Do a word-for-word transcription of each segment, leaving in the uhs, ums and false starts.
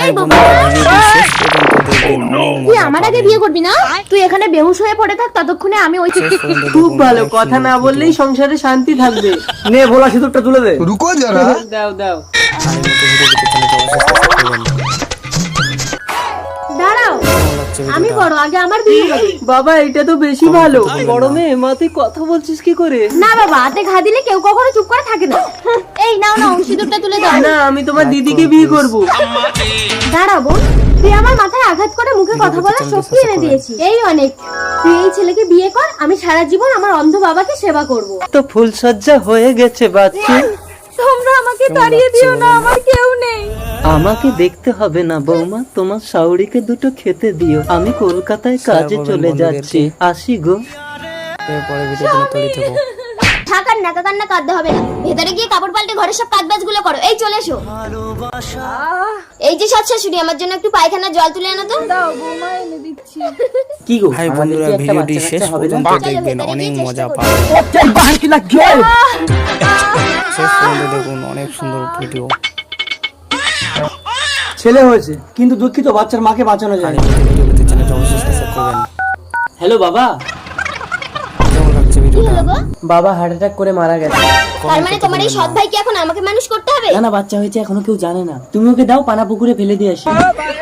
এই বাবা তুই আমার আগে বিয়ে করবি না? তুই এখানে বেহুশ হয়ে পড়ে থাক, ততক্ষণে আমি ওই খুব ভালো, কথা না বললেই সংসারে শান্তি থাকবে। নে ভোলা সিঁদুরটা তুলে দে। रुको जरा দাও দাও। দাঁড়াও, আমি বড়, আগে আমার বিয়ে হবে। বাবা এটা তো বেশি ভালো। বড় মেয়ে মা, তুই কথা বলছিস কি করে? না বাবা, হাতে ঘা দিলে কেউ কখনো চুপ করে থাকে না। এই নাও নাও, সিঁদুরটা তুলে দাও। না, আমি তোমার দিদিকে বিয়ে করব। দাঁড়া বোন, তুই আমার মাথায় আঘাত করে মুখে কথা বলার শক্তি এনে দিয়েছিস, এই অনেক। তুই এই ছেলেকে বিয়ে কর, আমি সারা জীবন আমার অন্ধ বাবাকে সেবা করব। তো ফুলসজ্জা হয়ে গেছে বাচ্চা। তোমরা আমাকে তাড়িয়ে দিও না, আমার কেউ নেই। আমাকে দেখতে হবে না বৌমা, তোমার শাওরিকে দুটো খেতে দিও। আমি কলকাতায় কাজে চলে যাচ্ছি, আসি গো। থাকার নাকা কান্না কাঁদতে হবে না, ভেতরে গিয়ে কাপড় পাল্টে ঘরের সব কাজবাজ গুলো করো। এই চলে এসো। এই যে সৎ শাশুড়ি, আমার জন্য একটু পায়খানার জল তুলে আনো তো। দাও বৌমা, এনে দিচ্ছি। কি গো ভাই বন্ধুরা, ভিডিওটি শেষ পর্যন্ত দেখবেন, অনেক মজা পাবেন। শেষ পর্যন্ত দেখুন, অনেক সুন্দর ভিডিও। ছেলে হয়েছে কিন্তু দুঃখিত, বাচ্চার মাকে বাঁচানো যায় না। চ্যানেলটা অবশ্যই সাবস্ক্রাইব করবেন। হ্যালো বাবা। কেমন লাগছে কি ভিডিওটা? হলো গো? বাবা হার্ট অ্যাটাক করে মারা গেছে। তার মানে তোমার এই সৎ ভাইকে এখন আমাকে মানুষ করতে হবে? না না, বাচ্চা হয়েছে, এখনো কেউ জানে না। তুমি ওকে দাও, পানা পুকুরে ফেলে দিয়ে আসি।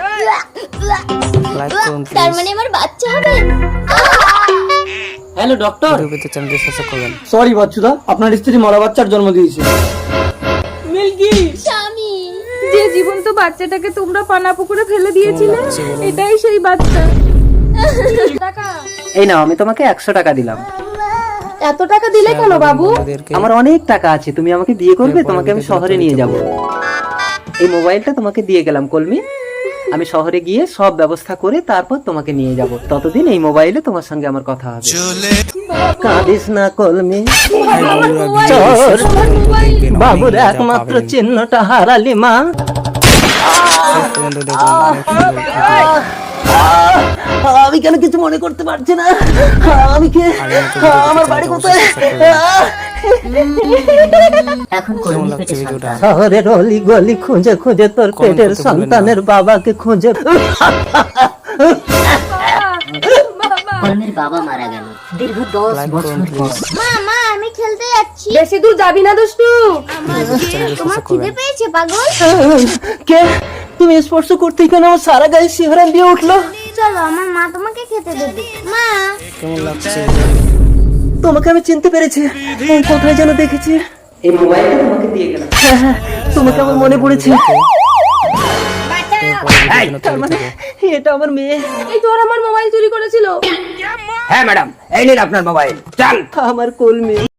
লাইক করুন তার প্লিজ। মানে আমার বাচ্চা হবে? Hello doctor. ভিডিও পেতে চ্যানেলটি সাবস্ক্রাইব করবেন। সরি বাচ্চুদা, আপনার স্ত্রী মরা বাচ্চার জন্ম দিয়েছে। মিল্কি, স্বামী, যে জীবন্ত বাচ্চাটাকে তোমরা পানা পুকুরে ফেলে দিয়েছিলে, লাগছে বলুন? এটাই সেই বাচ্চা। এই নাও, আমি তোমাকে একশো টাকা দিলাম। এত টাকা দিলে কেন বাবু? আমাদেরকে আমার অনেক টাকা আছে, তুমি আমাকে বিয়ে করবে, তোমাকে আমি শহরে নিয়ে যাব। এই মোবাইলটা তোমাকে দিয়ে গেলাম কলমি, আমি শহরে গিয়ে সব ব্যবস্থা করে তারপর তোমাকে নিয়ে যাব। ততদিন এই মোবাইলে তোমার সঙ্গে আমার কথা হবে। কাঁদিস না কলমি, ভাই বন্ধুরা, ভিডিওটি চোর। শেষ পর্যন্ত দেখবেন, অনেক বাবুর মজা একমাত্র পাবেন। চিহ্নটা হারালি মা। শেষ পর্যন্ত দেখুন, অনেক সুন্দর ভিডিও। আমি কেন কিছু মনে করতে পারছি না? আমি কে? আমার বাড়ি কোথায়? কেমন লাগছে ভিডিওটা? শহরের অলি গলি খুঁজে খুঁজে তোর পেটের করতে ভুলবেন না। সন্তানের বাবাকে খুঁজে। কলমের বাবা মারা গেল দীর্ঘ দশ লাইক বছর করুন পর। প্লিজ। মা মা আমি খেলতে যাচ্ছি। বেশি দূর যাবি না দুষ্টু। তোমার খিদে পেয়েছে পাগল? কে? তুমি স্পর্শ করতেই কেন আমার সারা গায়ে শিহরণ দিয়ে উঠলো? চলো, আমার মা তোমাকে খেতে দেবে। মা, কেমন লাগছে? তোমাকে আমি চিনতে পেরেছি, এই কোথায় যেন দেখেছি। এই মোবাইলটা তোমাকে দিয়ে গেলাম। হ্যাঁ হ্যাঁ, তোমাকে আমার মনে পড়েছে। এই, তার মানে এটা আমার মেয়ে। এই তোর আমার মোবাইল চুরি করেছিল। হ্যাঁ ম্যাডাম, এই নিন আপনার মোবাইল। চল। আমার কলমি।